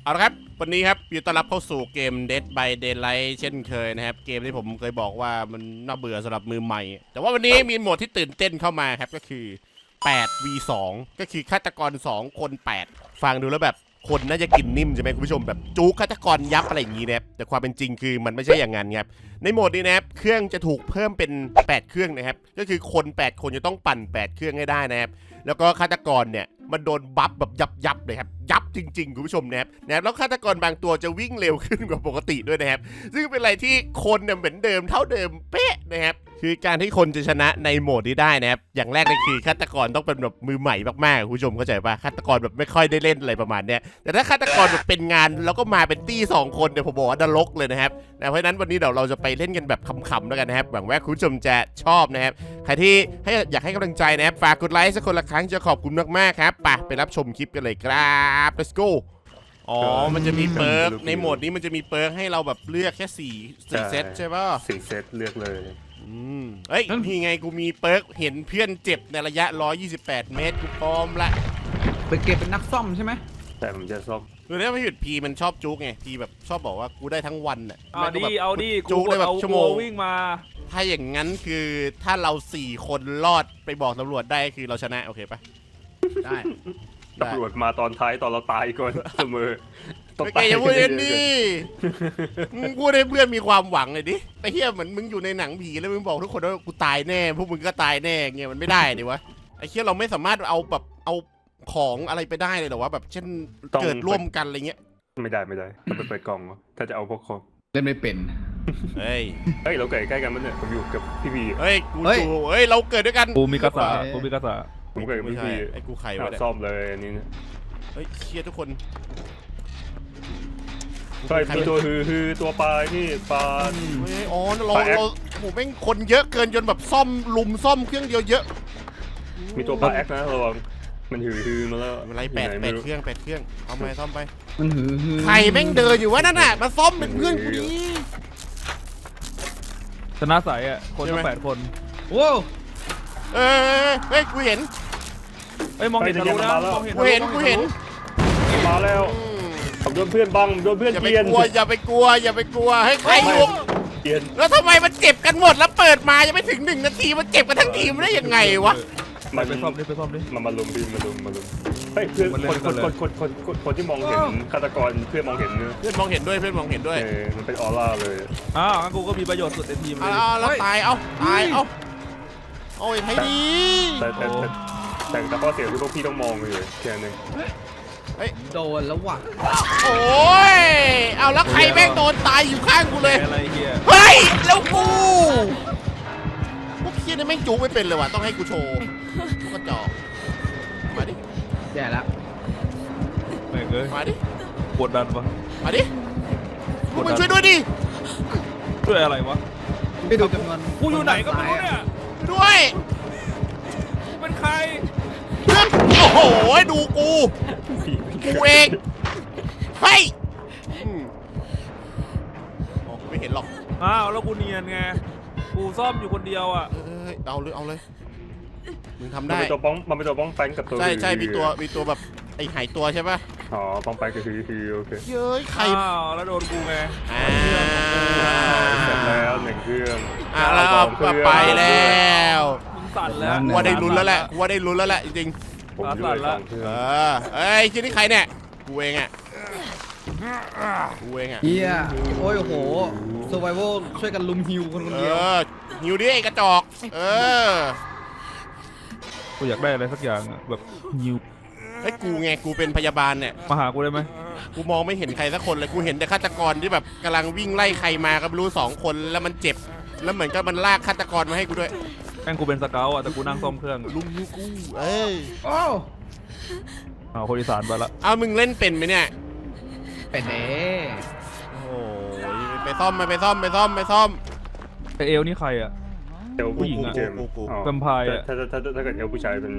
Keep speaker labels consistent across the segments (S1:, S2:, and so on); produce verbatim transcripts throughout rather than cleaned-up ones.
S1: เอาละครับวันนี้ครับยินดีต้อนรับเข้าสู่เกม Dead by Daylight เช่นเคยนะครับเกมที่ผมเคยบอกว่ามันน่าเบื่อสำหรับมือใหม่แต่ว่าวันนี้มีโหมดที่ตื่นเต้นเข้ามาครับก็คือ แปด วี สอง ก็คือฆาตกรสองคนแปดฟังดูแล้วแบบคนน่าจะกินนิ่มใช่ไหมคุณผู้ชมแบบจู๊กฆาตกรยับอะไรอย่างนี้นะครับแต่ความเป็นจริงคือมันไม่ใช่อย่างนั้นครับในโหมดนี้นะครับเครื่องจะถูกเพิ่มเป็นแปดเครื่องนะครับก็คือคนแปดคนจะต้องปั่นแปดเครื่องให้ได้นะครับแล้วก็ฆาตกรเนี่ยมันโดนบัฟแบบยับยับเลยครับยับจริงๆคุณผู้ชมนะครับนะครับแล้วฆาตกรบางตัวจะวิ่งเร็วขึ้นกว่าปกติด้วยนะครับซึ่งเป็นอะไรที่คนเนี่ยเหมือนเดิมเท่าเดิมเป๊ะนะครับคือการที่คนจะชนะในโหมดนี้ได้นะครับอย่างแรกเลยคือฆาตกรต้องเป็นแบบมือใหม่มากๆคุณผู้ชมเข้าใจป่ะฆาตกรแบบไม่ค่อยได้เล่นอะไรประมาณเนี้ยแต่ถ้าฆาตกรแบบเป็นงานแล้วก็มาเป็นตี้สองคนเนี่ยผมบอกว่านรกเลยนะครับเพราะฉะนั้นวันนี้เดี๋ยวเราจะไปเล่นกันแบบขำๆแล้วกันนะครับหวังว่าคุณผู้ชมจะชอบนะครับใครที่ให้อยากให้กำลังใจนะครับฝากกดไลค์สักคนละครั้งจะขอบคุณมากๆครับไปไปรับชมคลิปกันเลยครับ let's go อ๋อมันจะมีเปิร์กในโหมดนี้มันจะมีเปิร์กให้เราแบบเลือกแค่สี่สี่เซตใช่ป่ะ
S2: สี่เซตเลือกเลย
S1: อืมเอ้ยนี่ไงกูมีเปิร์กเห็นเพื่อนเจ็บในระยะหนึ่งร้อยยี่สิบแปดเมตรกูพร้อมละ
S3: ไปเก็บเป็นนักซ่อมใช่ไหม
S2: แต่ผมจะซ่อม
S1: คือถ้าไม่หยุดพีมันชอบจุกไงพีแบบชอบบอกว่ากูได้ทั้งวันอ่ะ
S4: เอาดิเอาดิ
S1: จุกได้แบบชั่วโมง
S4: วิ่งมา
S1: ถ้าอย่างนั้นคือถ้าเราสี่คนรอดไปบอกตำรวจได้คือเราชนะโอเคปะ
S3: ได้
S2: ตำรวจมาตอนท้ายตอนเราตายก่อนเสมอ
S1: ไม่แกอย่าพูดเองดิมึงพูดให้เพื่อนมีความหวังเลยดิไอ้เหี้ยเหมือนมึงอยู่ในหนังผีแล้วมึงบอกทุกคนว่ากูตายแน่พวกมึงก็ตายแน่เงี้ยมันไม่ได้ดิวะไอ้เหี้ยเราไม่สามารถเอาแบบเอาของอะไรไปได้เลยหรอวะแบบเช่นเกิดร่วมกันอะไรเงี้ย
S2: ไม่ได้ไม่ได้ต้องไปเปิดกล่องถ้าจะเอาพวกของ
S3: เล่นไม่เป็น
S1: เฮ้ย
S2: เฮ้ยเราเกิดใกล้กันมั้ยเนี่ยผมอยู่กับพี่พี
S1: เฮ้ยกูอยู่เฮ้ยเราเกิดด้วยกัน
S4: กูมีกระสากูมีกระสา
S2: ผมเกิดกับพี่พี
S1: ไอ้กูไข่ไว้
S2: ซ่อมเลยอันนี้นะ
S1: เฮ้ยเชียร์ทุกคน
S2: ใช่มีตัวฮือฮือตัวปลาที่ปลา
S1: เฮ้ยอ๋อเราเราโหแม่งคนเยอะเกินจนแบบซ่อมลุมซ่อมเครื่องเดียวเยอะ
S2: มีตัวปลาแอคนะระวังมันฮือฮือมาแล้ว
S1: อะไรแปดแปดเครื่องแปดเครื่องเอาไปซ่อมไป
S3: มันหือหือ
S1: ใครแม่งเดินอยู่วะนั่นน่ะมาซ่อมเป็นเพื่อนกูดิ
S4: ชนะสายอ่ะคนตั้งแปดคน
S3: โว้
S1: เออเฮ้ยกูเห็น
S4: เฮ้ยมองเห็นทะลุนะมองเห็น
S1: กูเห็นกูเห็น
S2: มาแล้วผมโดนเพื่อนบังโดนเพื่อนเกลียน
S1: อย่าไปกลัวอย่าไปกลัวอย่าไปกลัวให้ใครอยู่
S2: เกลียน
S1: แล้วทำไมมันเจ็บกันหมดแล้วเปิดมายังไม่ถึงหนึ่งนาทีมันเจ็บกันทั้งทีมได้ยังไงวะ
S4: มาไปซ่อมดิไปซ่อมดิ
S2: มามาลุมพี่มาลุมมาลุมเฮ้ยเพื่อนคนคนคนคนคนคนที่มองเห็นฆาตกรเพื่อนมองเห็นเนื้อ
S1: เพื่อนมองเห็นด้วยเพื่อนมองเห็นด้วย
S2: มันเป็นออร่าเลย
S4: อ้าวงั้นกูก็มีประโยชน์สุดในทีมเลย
S1: อ้าวแล้วตายเอ้าตายเอ้าโอ้ยให้ดี
S2: แต่แต่แต่แต่ข้อเสียคือพวกพี่ต้องมองเลยแค่นึง
S1: เฮ้ย
S3: โดนแล้วว่ะ
S1: โอ้ยเอาแล้วใครแม่งโดนตายอยู่ข้างกูเลย
S4: อะไรเฮีย
S1: เฮ้ยแล้วกูพวกเฮียนี่แม่งจู๊ไม่เป็นเลยว่ะต้องให้กูโชว์พวกกระจอกมาดิ
S3: แย่แล้ว
S4: ไม่เกย
S1: มาดิ
S4: กดดันปะ
S1: มาดิพวกมึงช่วยด้วยดิ
S4: ช่วยอะไรวะ
S3: ไม่ดูจำนวน
S4: กูอยู่ไหนก็ไม่รู้เนี่ย
S1: ด้วย
S4: เป็นใคร
S1: เพื่อนโอ้โหดูกูกูเองเฮ้ยโอ้ไม่เห็นหรอก
S4: อ้าวแล้วกูเนียนไงกูซ่อมอยู่คนเดียวอ่ะ
S1: เอ้ยเอาเลยเอาเลยมึงทำได้
S2: มันเป็นตัวป้องมันเป็นตัวป้องแปงกับตัว
S1: ใช่ใช่มีตัวมีตัวแบบไอหายตัวใช่ป่ะ
S2: อ๋อป้องแปงก็คือคือโอเค
S1: เย้ยใคร
S4: อ้าวแล้วโดนกูไง
S1: อ้าว
S2: เสร็จแล้วหนึ่งเครื่อง
S1: อ้าวแล้วไปแล้ว
S4: มึงสั่นแล้ว
S1: ว่าได้ลุ้นแล้วแหละว่าได้ลุ้นแล้วแหละจริง
S2: ๆผมอยู่สองเครื่องเอ
S1: อเอ้ยชื่อนี่ใครเนี่ยกูเองอ่ะกูเองอ่ะ
S3: เฮียโอ้ยโอ้โหเซอร์ไวโวช่วยกันลุมฮิวคนคนเดียว
S1: เออฮิวดิไอ้กระจอกเออ
S4: กูอยากได้อะไรสักอย่างแบบฮิว
S1: ไอ้กูไงกูเป็นพยาบาลเนี่ย
S4: มาหากูได้ไหม
S1: กูมองไม่เห็นใครสักคนเลยกูเห็นแต่ฆาตกรที่แบบกำลังวิ่งไล่ใครมาก็ไม่รู้สองคนแล้วมันเจ็บแล้วเหมือนกับมันลากฆาตกรมาให้กูด้วย
S4: แม่งกูเป็นสเกลอ่ะแต่กูนั่งซ่อมเครื่อง
S1: ลุงยูกูเอ้ย
S3: โอ้
S4: เอาคนอีสานไปละ
S1: เอามึงเล่นเป็นไหมเนี่ย
S3: เป็นเด้
S1: โอ้ยไปซ่อมไปไปซ่อมไปซ่อมไปซ่อม
S4: ไอเอลนี่ใครอ่ะ
S2: เอลผู้หญิงอ่ะ
S4: แวมไพร์อ่ะ
S2: ถ้าถ้าถ้าเกิดเอลผู้ชายเป็น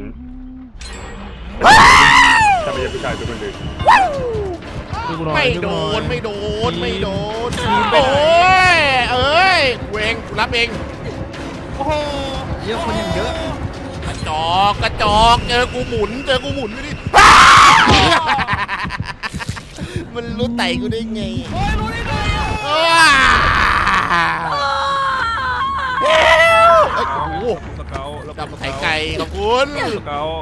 S2: ถ้าไม่ใช่ผู้ชายเป็นคนอื่น
S1: ไม่โดนไม่โดนไม่โดนโอ้ยเอ้ยกูเองกูรับเอง
S3: โอ้โหเยอะคนยังเยอะ
S1: กระจอกกระจอกเจอกูหมุนเจอกูหมุนไม่ดิมมันรู้ไต่กูได้ไง
S3: โอ้ยรู้ได้ไงอ่ะ
S1: ว้าเฮ้ยโอ้โห
S4: สเกลแล้ว
S1: ดับไข่ไก่ขอบคุณ
S4: สเกล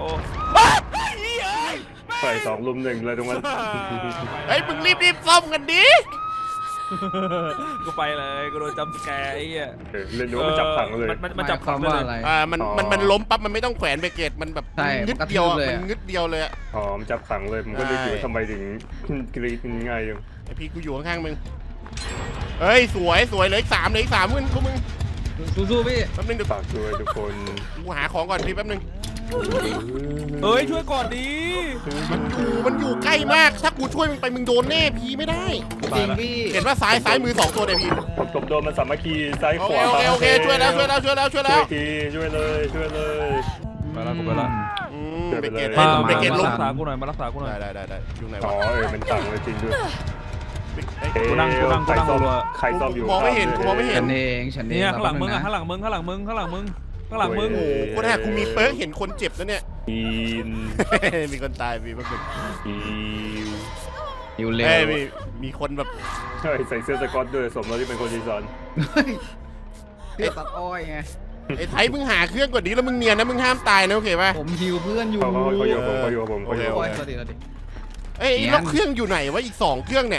S2: ใส่สองลุมหนึ่งเลยตรงนั้น
S1: เฮ้ยมึงรีบรีบซ่อมกันดิ
S4: กูไปเลยกูโดนจำสแกร์ไอ้เหี้ย
S2: เออเล่นดูว่ามันจับขังเลย
S4: มันมัน
S3: ห
S4: มัน
S3: มาย
S4: จับ
S3: ควา
S4: ขั
S3: ม
S4: งเล
S3: ว่าย อะไร
S1: อ่ามัน
S2: อ๋อ
S1: มันมันล้มปั๊บมันไม่ต้องแขวนเบรกเกตมันแบบ
S3: ใช่
S1: งึดเดียวอ่ะ
S3: มันกระทืบเลย
S1: มัน
S3: อะ
S1: งึดเดียวเลยอ่ะ
S2: อ๋อมันจับขังเลยมันก็เลยอยู่ว่าทำไมถึงกรีดง่ายยัง
S1: ไอพี่กูอยู่ข้างๆมึงเฮ้ยสวยสวยเหลยอีกสามเหลยอีกสามมึงพวกมึง
S3: สู้ๆพี่
S1: แป๊บนึงเดี๋ยว
S2: ฝากด้วยทุกคน
S1: กูหาของก่อนพี่แป๊บนึง
S4: เฮ้ยช่วยก่อนดี
S1: มันอยู่มันอยู่ใกล้มากถ้ากูช่วยมึงไปมึงโดนแน่พี่ไม่ได้
S3: จริงพี่
S1: เห็นว่าซ้ายซ้ายมือสองตัวเดี๋ยวพี่
S2: ผมผมโดนมันสามัคคีซ้าย
S1: โอ
S2: ข
S1: เคว
S2: า
S1: โอเคโอเคช่วยแล้วช่วยแล้วช่วยแล้วช่วย
S2: ช่
S1: แล้ว
S2: วยทีช่วยเลยช่วยเลย
S4: มาแล้วกูไปแล้ว
S1: อืมเบรกเกต
S2: มา
S1: เบรกเกต
S4: มา
S1: ล้ม
S4: รักษากูหน่อยมารักษากูหน่อย
S1: ได้ได้ได้ได้อยู่ไหน
S2: อ๋อ
S1: วะ
S2: เออมันขังเลยจริงด้วย
S1: เอ้ย
S4: กูนั่งกูนั่งกู
S2: ใคร
S4: นั่ง
S2: ซ่อม
S4: รัว
S2: ใครซ่อมอยู่
S1: มองไม่เห็นกูมองไม่เห็
S3: ฉันเองฉันเอง
S4: เนี่ยข้างหลังมึง
S3: แป๊
S4: อ่ะ
S3: บ
S4: ข้างหลังมึงข้างหลังมึงข้างหลังมึงข้างหลังมึง
S1: โอ้โหกูแท้กูมีเปิร์กเห็นคนเจ็บแล้วเนี่ย
S2: อีน
S1: มีคนตายมีแป๊บนึง
S2: อี
S3: อยู่เร็ว
S1: เอ้ยมีมีคนแบบ
S2: ใช่ใส่เสื้อสก๊อตด้วยสมแล้วที่เป็นคนดีไซน์
S3: เฮ้ยพี่ตัดอ้อยไง
S1: ไอ้ไทยมึงหาเครื่องก่อนดีแล้วมึงเนียนนะมึงห้ามตายนะโอเคป่ะ
S3: ผมฮิวเพื่อนอยู่
S2: เขาเขาเขาอยู่กับผมเขาอยู่กับผมเขาอยู่กับ
S3: โอ้
S2: ผ
S3: ย
S2: ม
S3: สวัสดีสวัสดี
S1: เอ้ย
S3: เนียน
S1: แล้วเครื่องอยู่ไหนวะอีกสองเครื่องเนี่ย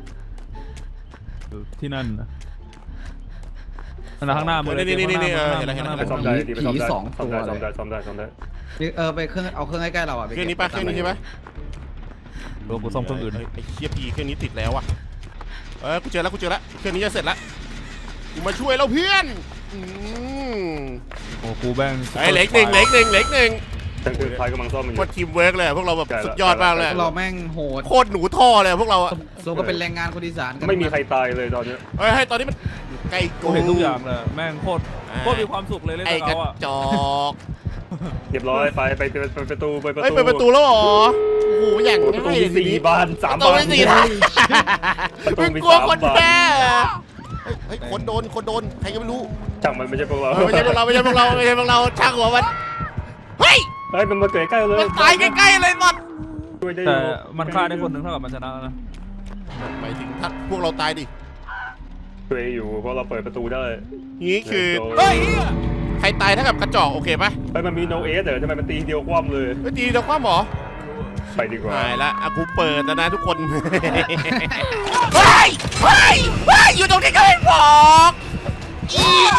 S4: ที่นั่นนะนั่นนะข้างหน้ามึงเลย
S1: นี่นี่นี่นี่เออ
S4: ข้างหน้า
S1: เห็นแล้ว
S2: ไป
S1: เห็นแล้ว
S2: ซ่อมได้ดีไปซ่อมได้
S3: ผีสอง
S2: ซ่อมได้
S3: ตัว
S2: ซ่อม
S3: เล
S2: ได้
S3: ย
S2: ซ่อมได้ซ่อมได้
S3: เออไปเครื่องเอาเครื่องใกล้ๆเราอ่ะ
S1: เครื่องนี้ป่ะเครื่องนี้ใช่ปะ
S4: โดนกูซ่อมเครื่องอื่น
S1: เฮ้ยไอ้เคียพีเครื่องนี้ติดแล้วอ่ะเออกูเจอแล้วกูเจอแล้วเครื่องนี้จะเสร็จแล้วกูมาช่วยแล้วเพื่อนอืม
S4: โอ้กูแบง
S1: ไอ้ยเหล็กหนึ่งเหล็กหนึ่งเหล็กหนึ่ง
S2: ทั้งคือพายกำลังซ่อมมันอ
S1: โค
S2: ยู่
S1: ตรทีมเวิร์กเลยอะพวกเราแบบ
S2: ใช่ละ
S1: สุดยอดมากเลย
S3: พวกเราแม่งโหด
S1: โคตรหนูท่อเลยอะพวกเราอะ
S3: สมก็เป็นแรงงานคนอีสานกัน
S2: ไม่มีใครตายเลยตอนนี้
S1: เฮ้ยให้ตอนนี้มันใกล้
S4: กู
S1: กู
S4: เห็นทุกอย่างเลยแม่งโคตรโคตรมีความสุขเลยเล่น
S1: ไอ้
S4: กับ
S1: กระ
S4: เขาอ่ะ
S1: จอก
S2: เรียยบร้อยไปไปไปไปประตูไปประตู
S1: เฮ้ยเปิดประตูแล้วเหรอโอ้โหอย่าง
S2: ประตู
S1: ง่ายเล
S2: มี
S1: ยที
S2: สี่
S1: นี้
S2: บานสาม
S1: ประตู
S2: บาน
S1: มีสี่ทาง
S2: ประตู
S1: มึง
S2: มี
S1: กลัว
S2: สาม
S1: คน
S2: บาน
S1: แพ้เฮ้ยคนโดนคนโดนใครก็ไม่รู้
S2: ช่างมันไม่ใช่พวกเรา
S1: เออไม่ใช่พวกเราไม่ใช่พวกเราไม่ใช่พวกเราช่างหัวมันเฮ้ย
S2: เฮ้ยมันมาเกิดใกล้เลย
S1: มันตายใกล้ๆเลยมัน
S2: ช่วยได้อ
S4: แต่
S2: ยู่
S4: มันฆ่าได้คนหนึ่งเท่ากับมันชนะแล้วนะ
S1: หมายถึงถ้าพวกเราตายดิ
S2: ช่วยอยู่เพราะเราเปิดประตูได้
S1: นี้คือ
S4: เฮ้ย
S1: ใครตายเท่ากับกระจอกโอเคปะ
S2: เฮ้ยมันมีโนเอสเหรอทำไมมันตีเดียวคว่ำเลย
S1: เฮ้ยดีเดี๋ยวคว้าหมอ
S2: ไปดีกว่า
S1: ตายละอ่ะกูเปิดแล้วนะทุกคน เฮ้ยเฮ้ยเฮ้ยอยู่ตรงนี้ก็ไม่บอกอี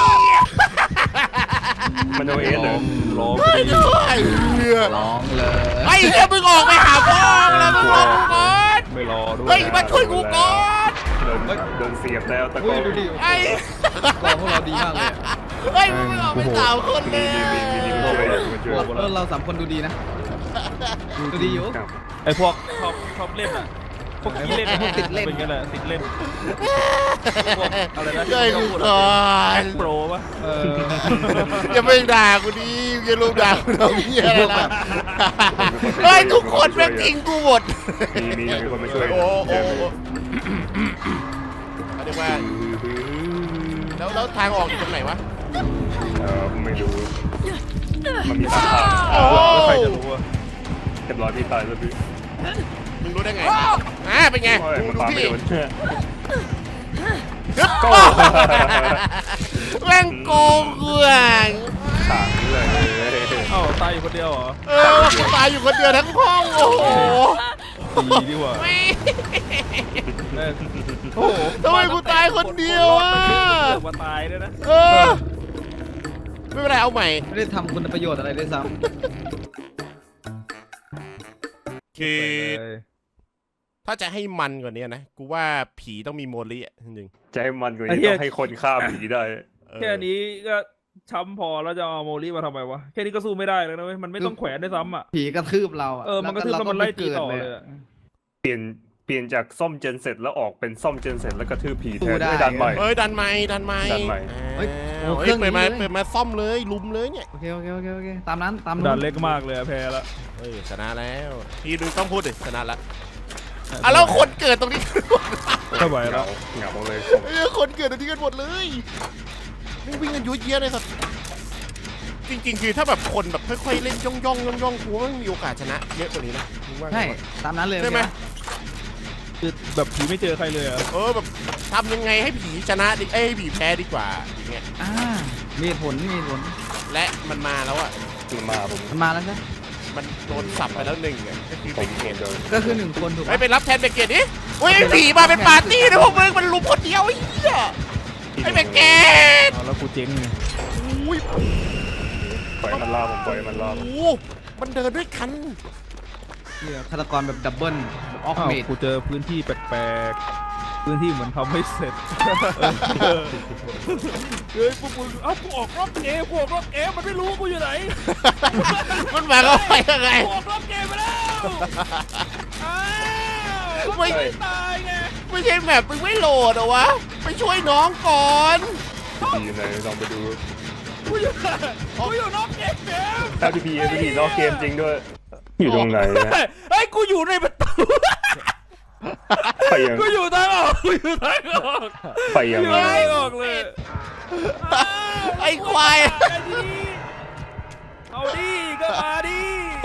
S2: มันโนเอสเหรอ
S4: ร้อง
S1: เฮ้ยไอ้เหี้ย
S3: ร้องเลย
S1: ไอ้เหี้ยมึงออกไปหาพ่อแล้วมึงรอกูก่อน
S4: ไม่รอด้วย
S1: เฮ้ยมาช่วยกูก่อน
S2: โดนโดนเสียบแล้วตะโก
S3: เฮ้ย
S2: น
S3: ดูดิ
S1: ไอ้
S3: กองพวกเราดีมากเลยอะ
S1: เฮ้ยมึงออกไปสามคนเลย
S3: เราเออเราสามคนดูดีนะดูดีอยู่
S2: ครับ
S4: ไอ้พวกชอบชอบเล่นอ่ะพวกขี้เล่น
S3: พวกติดเล่น
S4: เป็นกันแหละติดเล่นพวกอะไรนะ
S1: ช่วยกูก่อน
S4: โปรปะ
S3: เออ
S1: อย่าไปด่ากูดิอย่าลุมด่ากูทำเหี้ยอะไรล่ะเฮ้ยทุกคนแม่งทิ้งกูหมด
S2: มีมีมีคนมาช่วย
S1: โอ้โหเรียกว่าแล้วแล้วทางออกอยู่ตรงไหนวะ
S2: เออไม่รู้มันมีสามทาง
S1: โอ้
S4: แล้วใครจะรู้อ่ะ
S2: เรียบร้อยพี่ตายแล้วพี่
S1: มึงรู้ได้ไงอ่าเป็นไง
S2: โอ้ย
S1: ดู
S2: มัน
S1: ดู
S2: ปาไม่
S1: พี่
S2: โดน
S1: โอ้แม่งโกงเกื่อง
S2: ขังเลย
S4: เอ้าตายอยู่คนเดียวเหรอ
S1: เออกูตายอยู่คนเดียวทั้งห้องโอ้โห
S4: ดีดีกว่า
S1: ไม่
S4: แม่งโอ้โห
S1: ทำไมกูตายคนเดียวอ่ะ
S4: เลือกมาตายด้วยนะ
S1: เออไม่เป็นไรเอาใหม่
S3: ไม่ได้ทำคุณประโยชน์อะไรด้วยซ้
S1: คือ
S4: เลย
S1: ถ้าจะให้มันกว่านี้นะ กูว่าผีต้องมีโมลิอ่ะจริง
S2: จะให้มันกว่านี้ต้องให้คนฆ่าผีได้
S1: ๆเออ
S4: แค่นี้ก็ช้ำพอแล้วจะเอาโมลี่มาทำไมวะแค่นี้ก็สู้ไม่ได้แล้วนะเว้ยมันไม่ต้องแขวนได้วยซ้ำอ่ะ
S3: ำผีกระทืบเราอ่ะ
S4: เออมันกระทืบแล้วมันไล่ตีต่อเลยอะ
S2: เปลี่ยนเปลี่ยนจากซ่อมเจนเสร็จแล้วออกเป็นซ่อมเจนเสร็จแล้วกระทืบผีแทนไม่ดันใหม่
S1: เฮ้ยดันไม้ดันไม้
S2: ดันไมค์
S1: เฮ้ยเฮ้ยเปิดมาเปิดมาซ่อมเลยลุมเลยเนี่ย
S3: โอเคโอเคโอเคโอเคตามนั้นตาม
S4: ด่านเล็กมากเลยอะแพ้แล้ว
S1: เฮ้ยชนะแล้วพี่ดูต้องพูดดิชนะละอ่ะแล้วคนเกิดตรงนี้
S4: ไม่ไหว
S2: เห
S4: แล้
S2: งาว เหงาเลย
S1: เอ้ยคนเกิดตรงนี้กันหมดเลยไม่วิ่งกันยุ่ยเยี่ยเลยสัตว์จริงๆคือถ้าแบบคนแบบค่อยๆเล่นย่องย่องย่องย่องกูว่ามันมีโอกาสชนะเยอะกว่านี้นะมึงว่าไง
S3: ใช่
S1: วะ
S3: ตามนั้นเลย
S1: ใช่ไหม
S3: โอเค
S4: คือแบบผีไม่เจอใครเลยอะ
S1: เออแบบทำยังไงให้ผีชนะดิเอ้ยให้ผีแพ้ดีกว่าอย่างเงี้ย
S3: อ่ามีเหตุผลมีเหตุผล
S1: และมันมาแล้วอ่ะ
S2: มันมาผม
S3: มันมาแล้วใช่
S1: มันโดนสับไปแล้วหนึ่งอ่ะก็คือ
S2: ผ
S1: เบ
S2: ม
S1: เกต
S2: โดน
S3: ก็คือหนึ่งคนถูก
S1: ไม่
S3: ปะ
S1: ไปรับแทนเบเกตดิอุ้ยผีมาเป็นปาร์ตี้นะพวกมึงมันลุมคนเดียวไอ้เหี้ยไอ้เบเกต
S4: เอาแล้วกูเจ๊งไง
S1: อุ้ย
S2: ปล่อยมันล่าผมปล่อยมันล่าผม
S1: โอ้มันเดินด้วยกัน
S3: เนี่ยฆาตกรแบบดับเบิลออก
S4: อ้าว
S3: เมด
S4: กูเจอพื้นที่แปลกๆพื้นที่เหมือนทำไม่เสร็จเฮ้ยพวกมึงเอ้ากูออกรอบเกมกูออกรอบเกมมันไม่รู้กูอยู่ไหน
S1: มันหมายความว่ายังไง
S4: กูออกรอบเกมไปแล้วอ้าวไม่ตายไง
S1: ไม่ใช่แมปมึงไม่โหลดเหรอวะไปช่วยน้องก่อน
S2: ดีอยู่ไหนลองไปดู
S4: กูอยู่กูอยู่นอกเกมเกม
S2: ถ้าพี่พีพี่พีนอกเกมจริงด้วยอยู่ตรงไหนนะ
S4: เฮ้ยกูอยู่ในประตู
S2: ไปยัง
S4: กูอยู่ทางออกกูอยู่ทางออก
S2: ไปยัง
S4: อยู่
S2: ไง
S4: ทางออกเลย
S1: ไอ้ควาย
S4: เอาดิก็มาดิ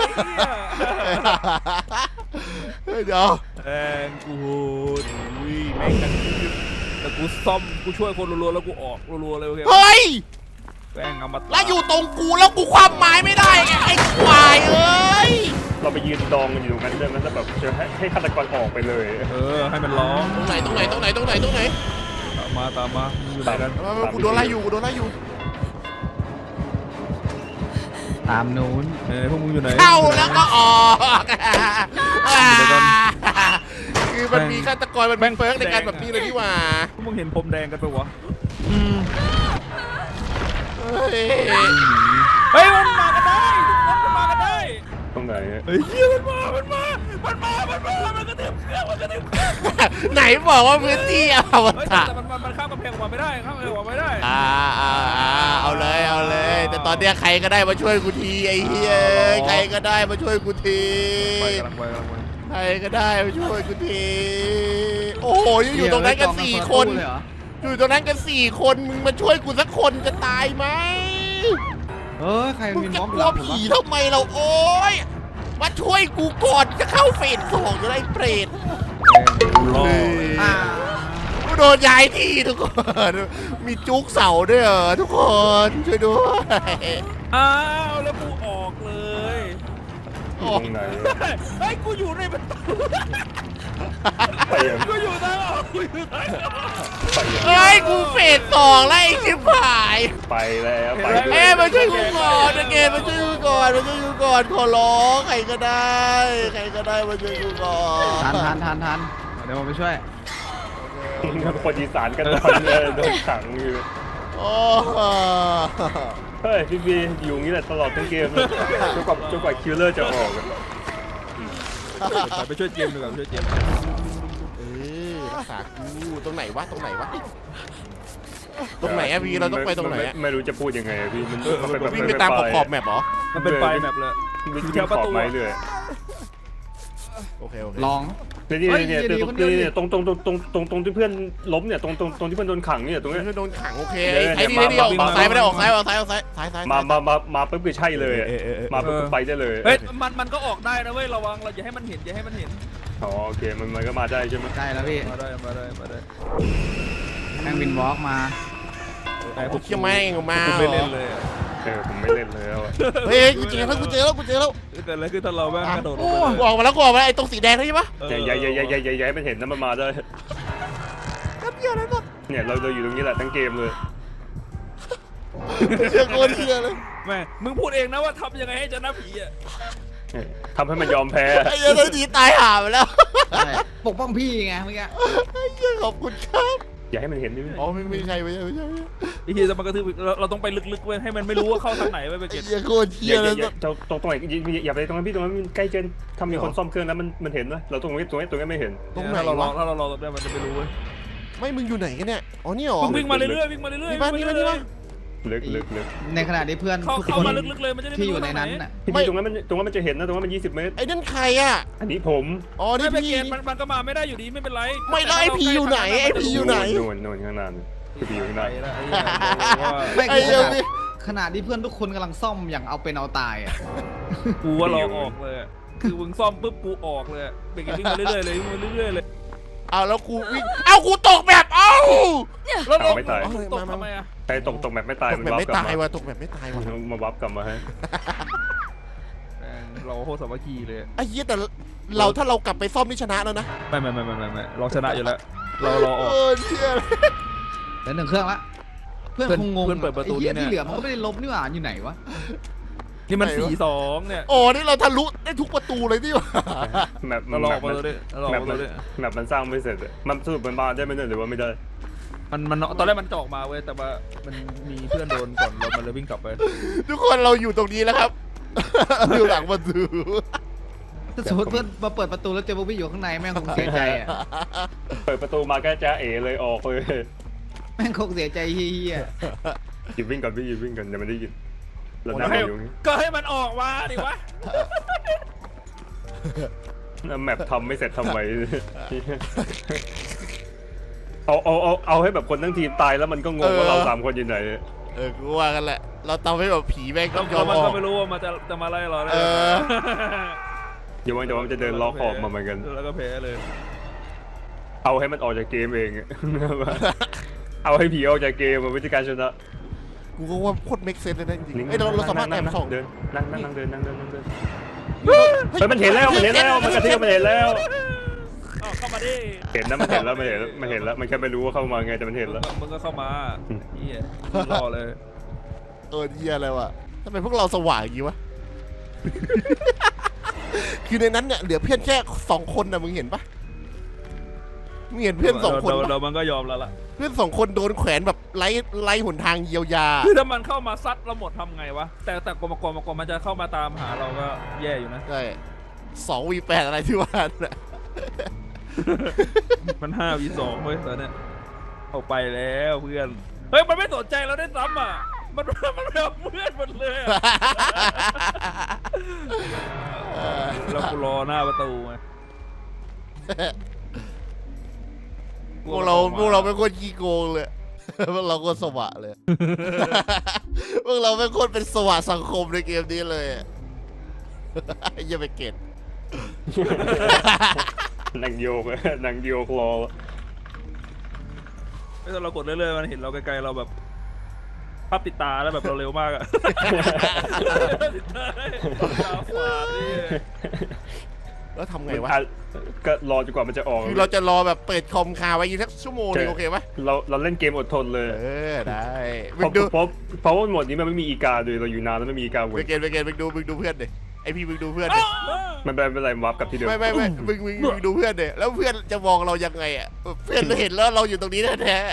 S1: เดี๋ยว
S4: แองกูโหดอุ้ยแม่งกันแต่กูซ่อมกูช่วยคนรัวๆแล้วกูออกรัวๆเลยโอเค
S1: เฮ้ย
S4: แม่งเอามา
S1: แล้วอยู่ตรงกูแล้วกูความหมายไม่ได้ไงไอ้ควายเอ้ย
S2: เราไปยืนดองกันอยู่ตรงนั้นเลยมันจะแบบจะให้ให้ฆาตกรออกไปเลย
S4: เออให้มันร้อง
S1: ตรงไหนตรงไหนตรงไหนตรงไหนตรงไหน
S4: ตามมาตามมามึงอยู่ไหนกัน
S1: มามากูโดนไล่อยู่กูโดนไล่อยู่
S3: ตามนู้น
S4: เอ้ยพวกมึงอยู่ไหน
S1: เข้าแล้วก็ออกคือมันมีฆาตกรมันแบ่งเฟิร์กในการแบบนี้เลยนี่หว่า
S4: พวกมึงเห็นผมแดงกันไปวะ
S3: อืม
S1: เฮ้ย
S4: เฮ้ยมันมากันได้ทุกคนมันมากันได้
S2: ตรงไหน
S4: เฮ้ยเหี้ยมันมา มันมา มันมา มันมา มันกระเทียมเครื่อง มันกระเทียมเครื่อง
S1: ไหนบอกว่าพื้นที่อว
S4: เฮ้ย
S1: ตาร
S4: แต่มันมันมันข้ามกำแพงออกมาไม่ได้ข้ามกำแพงออกมาไม่ได้
S1: อ่าอ่าอ่าเอาเลยเอาเลย แต่ตอนเนี้ยใครก็ได้มาช่วยกูทีไอ้เหี้ยใครก็ได้มาช่วยกูที
S4: ไปกำลังไปกำลังไป
S1: ใครก็ได้มาช่วยกูทีโอ้โหยังอยู่ตรงนั้นกันสี่คน
S3: เลยเหรอ
S1: อยู่ตรงนั้นกันสี่คนมึงมาช่วยกูสักคนจะตายไหม
S3: เออใคร
S1: มึง
S3: มี
S1: จะ
S3: ม็อบ
S1: กลัวผีทำไมเราโอ๊ยมาช่วยกูก่อนจะเข้าเฟสสองจะได้เปรต
S4: รอ
S3: อ่า
S1: กูโดนย้ายที่ทุกคน มีจุกเสาด้วยเหรอทุกคนช่วยด้วย
S4: อ้าวแล้วกูออกเลย
S2: อยู่ตรงไหน
S4: เฮ้ยกูอยู่ในประตู
S2: ไปยัง
S4: กูอยู่ทางออกกูอยู่ทางออก
S2: ไปยัง
S1: เฮ้ยกูเฟสสองแล้วไอ้ชิบหาย
S2: ไปแล้วไป
S1: เอ้ยมาช่วยกูก่อนนะเกณฑ์มาช่วยกูก่อนมาช่วยกูก่อนขอร้องใครก็ได้ ใครก็ได้มาช่วยกูก่อน
S3: ทันทันทันทันเดี๋ยวผมไปช่วย
S2: คนอีสานกันตอนเนี่ยโดนขังอยู่
S1: โอ้
S2: เฮ้ยพี่บีอยู่อย่างนี้แหละตลอดทั้งเกมเลยจนกว่าจนกว่าคิลเลอร์จะออกอะ
S4: ไปช่วยเจมส์ดีกว่าไปช่วยเจมส์
S1: เออรักษากูตรงไหนวะตรงไหนวะตรงไหนอะพี่เราต้องไปตรงไหนอะ
S2: ม่ไม่รู้จะพูดยังไงอะพี่มันมันเป็นแบบ
S1: วิ่งไปตามขอบขอบแมปเหรอ
S4: มันเป็นไฟแมปเลย
S2: วิ่ง
S4: อยู่
S2: แถ
S4: แถ
S2: ว
S4: ว
S2: ป
S4: ประ ระ
S2: ตู
S4: ตู
S2: ไม้เลย
S1: โอเคโอเค
S3: ลอง
S2: เนี่ยเนี่ยเนี่ย
S3: เฮ้ย
S2: ตรง
S3: ดีคนเดียว
S2: เนี่ยตรงตรงตรงตรงตรงตรงที่เพื่อนล้มเนี่ยตรงตรงตรงที่เพื่อนโดนขังเนี่ยตรงเนี้ย
S1: โดนขังโอเค
S2: เดี๋ยว
S1: ไอ้นี่
S2: มา
S1: ไอ้นี่ออก
S2: มา
S1: ออกซ้ายไม่ได้ออกซ้ายออกซ้ายออกซ้ายซ้ายซ้าย
S2: มามามามาปุ๊บก็ใช่เลยอะ
S1: เออเออเออ
S2: มาปุ๊บก็ไปได้เลย
S4: เฮ้ยมันมันก็ออกได้นะเว้ยระวังเราอย่าให้มันเห็นอย่าให้มันเห็น
S2: อ๋อโอเคมันมันก็มาได้ใช่ไหม
S3: ได้แล้วพี่
S4: มาได้มาได้มาได้
S3: แม่งวินวอล์กมา
S4: แต่
S1: กูเชี่ยแม่งออกมา
S4: กูไม่เล่นเลยอะ
S2: เออผมไม่เล่นแล้วอะ
S1: เฮ้ยกูเจอแล้วกูเจอแล้วกูเจอแล้ว
S4: แต่อะไรคือถ้าเราแม่งกระโดดล
S1: โอ้
S4: งไป
S1: กูออกมาแล้วกูออกมาแล้วไอ้ตรงสีแดงนี่ใช่ปะ
S4: เออ
S2: อย่าอย่าอย่าอย่าอย่าอย่าให้มันเห็นนะมันมาได้
S1: แป๊บเดียวนั้นหมด
S2: เนี่ยเราเราอยู่ตรงนี้แหละทั้งเกมเลย
S1: เชี่ยโคตรเชี่ยเลย
S4: แม่มึงพูดเองนะว่าทำยังไงให้ชนะผีอ่ะ
S2: ทำให้มันยอมแพ้
S1: ไอ้เหี้ยเลยดีตายห่าไปแล้ว
S3: ใช่ปกป้องพี่ไงเมื่อกี้
S1: ไอ้เหี้ยขอบคุณครับ
S2: อย่าให้มันเห็นดิ
S1: อ๋อไม่ไม่ใช่ไม่ใช่ไม่ใช่
S4: ไอ้เหี้ยจะมากระทืบเราเราต้องไปลึกๆเว้ยให้มันไม่รู้ว่าเข้าทางไหนเว้ยไป
S1: ไอ้
S4: เก็ต
S1: เหี้ยโคตร
S2: อ
S1: เชี่ย
S2: ย่า
S1: เล
S2: อย ย่าอย่าตรงตรงไหนอย่าไปตรงนั้นพี่ตรงนั้นมันใกล้เกินทำมีคนซ่อมเครื่องแล้วมันมันเห็นนะเราตรงนี้ตรงนี้ตรงนี้ไม่เห็น
S1: ตรงไหน
S4: ถ้าเราลอ
S1: วะ
S4: งถ้าเราลองได้มันจะไม่รู้เว้ย
S1: ไม่มึงอยู่ไหนกันเนี่ยอ๋อนี่หรอ
S4: มึงวิ่งมาเรื่อยๆวิ่งมาเรื่อยๆ
S1: นี่บ้านนี่บ้านนี่บ้าน
S2: ลึกลึกลึก
S3: ในขณะที่เพื่อน
S4: เข้า
S3: ทุก
S4: เข้า
S3: คน
S4: มาลึกๆเลยมันจะได้
S3: ที่
S4: ไม่
S3: อ
S4: รู้
S3: ยู่ใน
S4: ทางไหน
S3: นั้นน่ะ
S2: พี่ตรงนั้นมันตรงนั้นมันจะเห็นนะตรงนั้นมันยี่สิบเมตร
S1: ไอ้นั่นใครอ่ะ
S2: อันนี้ผม
S1: อ๋อ
S4: ไม่
S1: นี่
S4: ไป
S1: พี่
S4: เกตมันมันก็มาไม่ได้อยู่ดีไม่เป็นไร
S1: ไม่แล้วไอ้พีอยู่ไหนไอ้พีอยู่ไหน
S2: โน่นโน่นข้างหน้าคือพี่อยู่ข้างห
S4: ไป
S2: น้า
S4: แล้วไอ้เหี้ยบอกว่า
S3: ไม่
S1: ไอ้
S3: คือ
S1: เหี้ย
S3: ขณะที่เพื่อนทุกคนกำลังซ่อมอย่างเอาเป็นเอาตายอ่ะ
S4: กูว่าเราออกเลยอะคือมึงซ่อมปุ๊บกูออกเลยอะเบรกวิ่งมาเรื่อยๆเลยวิ่งมาเรื่อยๆเลย
S1: เอาแล้วกูวิ่งเอากูตกแบบเอ้า
S4: แล้วเรา
S2: ไม่ตาย
S4: เอตกทำไมอะ
S2: ใครตกตกแบบไม่ตาย
S1: ตก
S2: มัน
S1: แบบ
S2: วับ
S1: ไม่
S2: กลับ
S1: ตาย
S2: มา
S1: ว่ะตกแบบไม่ตายว่ะ
S2: มาวับกลับมาให้
S4: แม่งเราโคตรสามัคคีเลย
S1: ไอ้เหี้ยแต่เราถ้าเรากลับไปซ่อมนี่ชนะแล้วนะ
S4: ไม่ไม่ไม่ไม่ไม่ไม่เราชนะอยู่แล้ว เราเราออก
S1: เออเชี่ย
S3: แล้วหนึ่งเครื่องละเพื่อน
S4: เพื่อน
S3: คงงง
S4: เพื่อนเปิดประตู
S3: ไอ้เหี้ย
S4: เนี่ย
S3: ที่เหลือมันก็ไม่ได้ลบนี่หว่าอยู่ไหนวะ
S4: นี่มันสี่สองเนี่ย
S1: โอ้นี่เราทะลุได้ทุกประตูเลยที่ว่า
S2: แมป
S4: เราล
S2: แม
S4: อก
S2: ป
S4: มา
S2: มัน
S4: เลยเราลอก
S2: แมป
S4: มา
S2: มัน
S4: เลย
S2: แมปมันสร้างไม่เสร็จอะมันสรุปมันมาได้ไหมเนี่ยหรือว่าไม่ได้
S4: มันมันตอนแรกมันจะออกมาเว้ยแต่ว่ามันมีเพื่อนโดนก่อนเรามันเลยวิ่งกลับไป
S1: ทุกคนเราอยู่ตรงนี้แล้วครับ อยู่หลังประตู
S3: ถ้าสมมติเพื่อนมาเปิดประตูแล้วเจอบ๊อบบี้อยู่ข้างในแม่งคงเสียใจอ่ะ
S2: เปิดประตูมาแค่จ้าเอเลยออกเลย
S3: แม่งคงเสียใจเฮีย
S2: หยิบวิ่งก่อนพี่หยิบวิ่งก่อนเดี๋ยวมันได้ยินแล้ว
S4: โอ้
S2: นั่ง
S4: ให้
S2: อยู่
S4: ก็ให้มันออกมาดิวะ
S2: แล้วแมปทำไม่เสร็จทำไม เอาเอาเอาเอาให้แบบคนทั้งทีมตายแล้วมันก็งงว่าเราสามคนอยู่ไหน
S1: เออกูว่ากันแหละ เราทำให้แบบผีแม่งต้องยอม
S4: มัน
S1: ออ
S4: ก็
S1: ก
S4: ไม่รู้ว่ามันจะจะมาไล่เราได้
S1: เออ
S2: เดี๋ยววันเดี๋ยวมันจะเดินล็อกออกมาเหมือนกัน
S4: แล้วก็แพ้เลย
S2: เอาให้มันออกจากเกมเอง เอาให้ผีออกจากเกมมันวิธีการชนะ
S1: กูก็ว่าโคตรเมคเซนเลยนะจริงๆเอ้ยเราเราสามารถแอบส่อง
S2: เดินนั่งนั่งนั่งเดินนั่งเดินนั่งเดินเฮ้ยมันเห็นแล้วมันเห็นแล้วมันกระทิบมันเห็นแล้ว
S4: อ้าวเข้ามาดิ
S2: เห็นนะมันเห็นแล้วมันเห็นมันเห็นแล้วมันแค่ไม่รู้ว่าเข้ามาไงแต่มันเห็นแล้ว
S4: มึงก็เข้ามาเฮียรอเลย
S1: เออเหี้ยอะไรวะทำไมพวกเราสว่างอย่างงี้วะ คือในนั้นเนี่ยเหลือเพื่อนแค่สองคนนะมึงเห็นปะมึงเห็นเพื่อนสองคน
S4: เรา
S1: ปะ
S4: เรามันก็ยอมแล้วล่ะ
S1: เพื่อนสองคนโดนแขวนแบบไร้ไร้หนทางเยียวยา
S4: คือถ้ามันเข้ามาซัดเราหมดทำไงวะแต่แต่กลมกลมกลมมันจะเข้ามาตามหาเราก็แย่อยู่นะ
S1: ใช่สองวีแปดอะไรที่ว่าน่ะ
S4: มันห้าวีสองเว้ยตอนเนี้ยเอาไปแล้วเพื่อนเฮ้ยมันไม่สนใจเราได้ซ้ำอ่ะมันมันไม่เอาเพื่อนมันเลยอะเรากูรอหน้าประตูไง
S1: พวกเราพวกเราเป็นคนขี้โกงเลย พวกเราโคตรสวะเลย พวกเราเป็นคนเป็นสวะสังคมในเกมนี้เลย อย่าไปเก็ต
S2: นั่งโยกนั่งโยกรอ
S4: ถ้าเรากดเรื่อยๆมันเห็นเราไกลๆเราแบบภาพติดตาแล้วแบบเราเร็วมากอะติดตาตาฝาดนี่
S1: แล้วทำไงวะ
S2: ก็รอจนกว่ามันจะออก
S1: คือเราจะรอแบบเปิดคอมคาไว้อีกสักชั่วโมงนึงโอเคปะ
S2: เราเราเล่นเกมอดทนเลย
S1: เออได้
S2: เพ
S1: มึง
S2: ราะ
S1: ดู
S2: เพราะเพราะว่าหมดนี้มันไม่มีอีกาเลยเราอยู่นานแล้วไม่มีอีกา
S1: ไป
S2: เว้ย
S1: เกตไปเกตมึงดูมึงดูเพื่อนดิไอพี่มึงดูเพื่อนดิ
S2: มันเป็นเป็นไรวับกับที่เดิม
S1: ไม่ไม่ไม่มึงมึงมึงดูเพื่อนดิแล้วเพื่อนจะมองเรายังไงอ่ะเพื่อนเห็นแล้วเราอยู่ตรงนี้แท้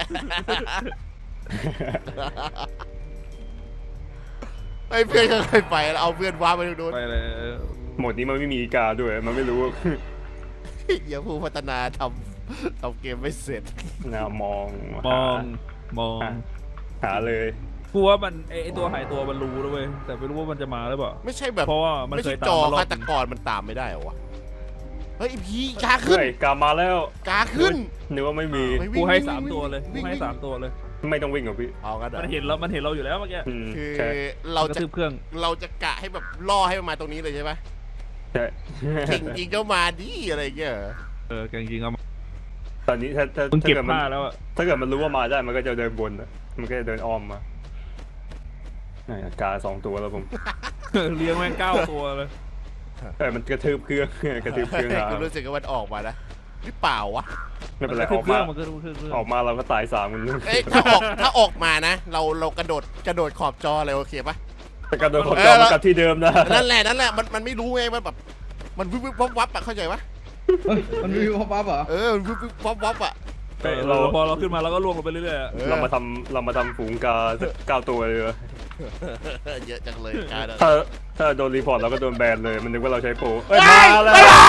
S1: ๆไอเพื่อนก็เคยไปแล้วเอาเพื่อนว้าไปตรงนู้น
S4: ไปเลย
S2: หมดนี้มันไม่มีอีกาด้วยมันไม่รู้
S1: อย่าผู้พัฒนาทำทำเกมไม่เสร็จ
S2: นะมอง
S4: มองมอง
S2: หาหาเลย
S4: กูว่ามันไอไอตัวหายตัวมันรู้แล้วเว้ยแต่ไม่รู้ว่ามันจะมาหรือเปล่า
S1: ไม่ใช่แบบ
S4: เพราะว่ามัน
S1: ไม่
S4: เค
S1: ใช่
S4: ย
S1: จ
S4: ตา
S1: อ
S4: มมารอบ
S1: ฆาตกรมันตามไม่ได้เหรอวะเฮ้ยพี่กาขึ้น
S2: เฮ้ยกามาแล้ว
S1: กาขึ้น
S2: นึกว่าไม่มี
S1: ไม่
S4: กูให้
S1: วิ่ง
S4: สาม
S1: วิ่ง
S4: ตัวเลย
S1: วิ่
S4: กู
S1: ง
S4: ให้
S1: วิ่ง
S4: สามตัวเลย
S2: ไม่ต้องวิ่งหรอกพี่
S1: เอากันเหรอ
S4: มันเห็นเรา มันเห็นเราอยู่แล้วเมื่อกี้
S2: อืม
S1: คือ
S2: ใช่
S1: เรา
S4: กระ
S1: จะ
S4: ทืบเครื่อง
S1: เราจะกะให้แบบล่อให้มันมาตรงนี้เลยใช่ไหม
S2: ใช่
S1: จริงจริงๆก็มาดิอะไรเงี้ยเหรอ
S4: เออจริงๆเอามา
S2: ตอนนี้ถ้าถ้า
S4: มึง
S2: ถ้า
S4: เก็บ
S2: เกิดมัน
S4: ผ้าแล้วอะ
S2: ถ้าเกิดมันรู้ว่ามาได้มันก็จะเดินบนอะมันก็จะเดินอ้อมมานี่กาสองตัวแล้วผม
S4: เลี้ยงแม่งเก้าตัวเลย
S2: เออมันกระทืบเครื่อง กระทืบเครื่องหา
S1: กูรู้สึกว่ามันออกมานะหรือเปล่าวะ
S2: ไม่เป็นไร
S4: ก
S2: อ
S4: ทื
S2: อบ ก
S4: เครื่
S2: มา
S4: องมันก็ทืบเครื่อง
S2: ออกมาเราก็ตายสามคน
S1: เอ้ยถ้าออกถ้าออกมานะ เราเรากระโดดกระโดดขอบจอเลยโอเคปะ
S2: แต่กระโดดขอบจอมันกลับที่เดิมนะ
S1: นั่นแหละนั่นแหละมันมันไม่รู้ไงมันแบบมันวิบวิบวับวับอะเข้าใจปะ
S3: เฮ้ยมันมีป๊อปอัพเหรอ
S1: เออมันวิบวิบวับวับอะ
S4: เออเราพอเราขึ้นมาเราก็ล่วงลงไปเรื่อยๆอะ
S1: ออ
S2: เรามาทำเรามาทำฝูงกาเก้าตัวเลย
S1: เยอะจังเลยการ
S2: ถ้าถ้าโดนรีพอร์ตเราก็โดนแบนเลยมันนึกว่าเราใช้โปรเอ้ยมาแล้ว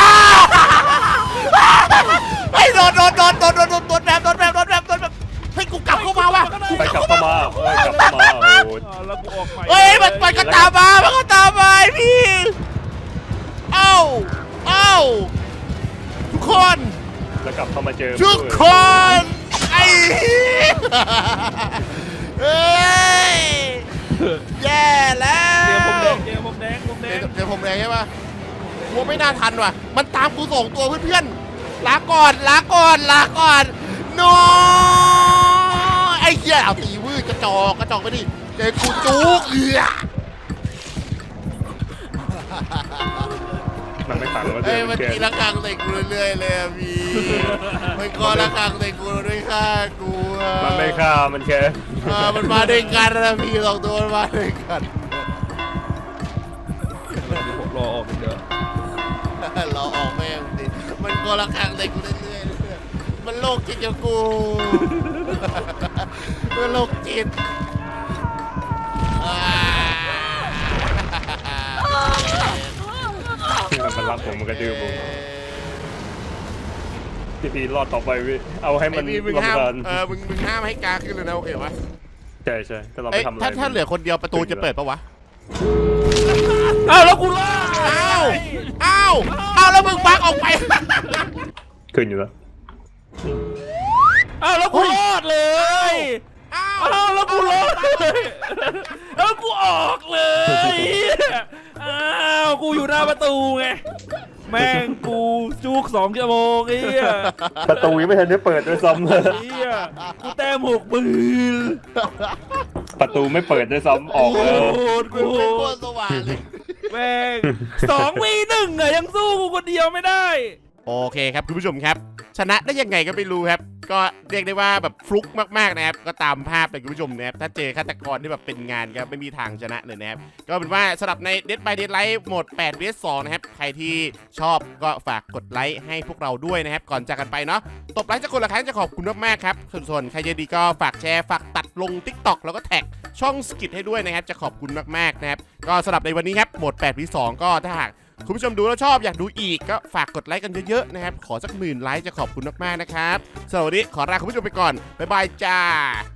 S1: ไอ้โดนโดนโดนโดนโดนโดนโดนแบบโดนแบบโดนแบบโดนแบบเฮ้ยกูกลับเข้ามาว่ะ
S2: ไปกลับเข้ามาเอ้ยกลับเข้ามาโอ้โห
S4: อ่าแล้วกูออกใหม่
S1: เฮ้ยมันมันก็ตามมามันก็ตามมาไอ้พี่เอ้าเอ้าทุกคน
S2: แล้วกลับเข้ามาเจอ
S1: ทุกคนไอ้เฮ้ยแย่แล้ว
S4: เกมผมแดงเกมผมแดงผมแดง
S1: เดี๋ยวผมแรงใช่ปะกูไม่น่าทันว่ะมันตามกูส่งตัวเพื่อน
S4: เ
S1: ลาก่อนลาก่อนลาก่อนโนไอ้เหี้ยเอาตีวืดกระจอกกระจอกไปดิเจอกูจุกเอือ
S2: มันไม่ขังว่า
S1: เอ้
S2: เดิ
S1: ย
S2: น
S1: มัน
S2: เก
S1: ตีละครั้งใส่กูเรื่อยๆเลยอะพี่มันก็ละครั้งใส่กูด้วยฆ่ากูอะ
S2: มันไม่ฆ่ามันแค่
S1: เออมันมาด้วยกันนะพี่สองตัวมันมาด้วยกัน
S4: ผมรอออกเดี๋ยว
S1: เราออกแม่งดิมันก็ละครั้งใส่กูเรื่อยๆเรื่อยๆมันโรคจิตกับกูมันโรคจิตอ่า
S2: มันมันรับผมมันกระดื้อผมพี่พีรอดต่อไปพี่เอาให้มัน
S1: ไอ้นี่มึง
S2: รำ
S1: ห้าม
S2: คาญ
S1: เออมึงมึงห้ามให้กาขึ้นเลยนะโอเคปะ
S2: ใช่ใช่ถ้าเรา
S1: เอ้
S2: ไม่
S1: ย
S2: ทำอะไร
S1: ถ้าถ้าเหลือคนเดียวประตูจะเปิดปะวะ
S4: อ้าวแล้วกูรอด
S1: อ้าวอ้าวอ้าวแล้วมึงบักออกไป
S2: ขึ้นอยู่แล้ว
S4: อ้าวแล้วกูรอดเลย
S1: อ้าว
S4: อ้าวแล้วกูรอดเลยแล้วกูออกเลยอ้าวกูอยู่หน้าประตูไงแม่งกูจุกสองชั่วโมงไอ้เหี้ย
S2: ประตูยังไม่ทันได้เปิดด้วยซ้ำ
S4: ไอ้เหี้ยกูแต้มหกปืน
S2: ประตูไม่เปิดด้วยซ้ำออก
S4: โค
S2: แล้ว
S4: ตร
S1: มึง
S4: โค
S1: เป็นโค
S4: ต
S1: ต
S4: ร
S1: รสว่างเลย
S4: แม่งสองวีหนึ่งอะยังสู้กูคนเดียวไม่ได้
S1: โอเคครับคุณผู้ชมครับ ชนะได้ยังไงก็ไม่รู้ครับ ก็เรียกได้ว่าแบบฟลุกมากๆนะครับก็ตามภาพเลยคุณผู้ชมนะครับถ้าเจอฆาตกรที่แบบเป็นงานครับไม่มีทางชนะเลยนะครับก็เป็นว่าสำหรับใน Dead by Daylight โหมด แปด วี เอส สอง นะครับใครที่ชอบก็ฝากกดไลค์ให้พวกเราด้วยนะครับก่อนจากกันไปเนาะตบไลค์จากคนละครั้งจะขอบคุณมากๆครับส่วนๆใครจะดีก็ฝากแชร์ฝากตัดลง TikTok แล้วก็แท็กช่องสกิทให้ด้วยนะครับจะขอบคุณมากๆนะครับก็สำหรับในวันนี้ครับโหมด แปด วี สอง ก็ถ้าหากคุณผู้ชมดูแล้วชอบอยากดูอีกก็ฝากกดไลค์กันเยอะๆนะครับขอสักหมื่นไลค์จะขอบคุณมากๆนะครับสำหรับวันนี้ขอลาคุณผู้ชมไปก่อนบ๊ายบายจ้า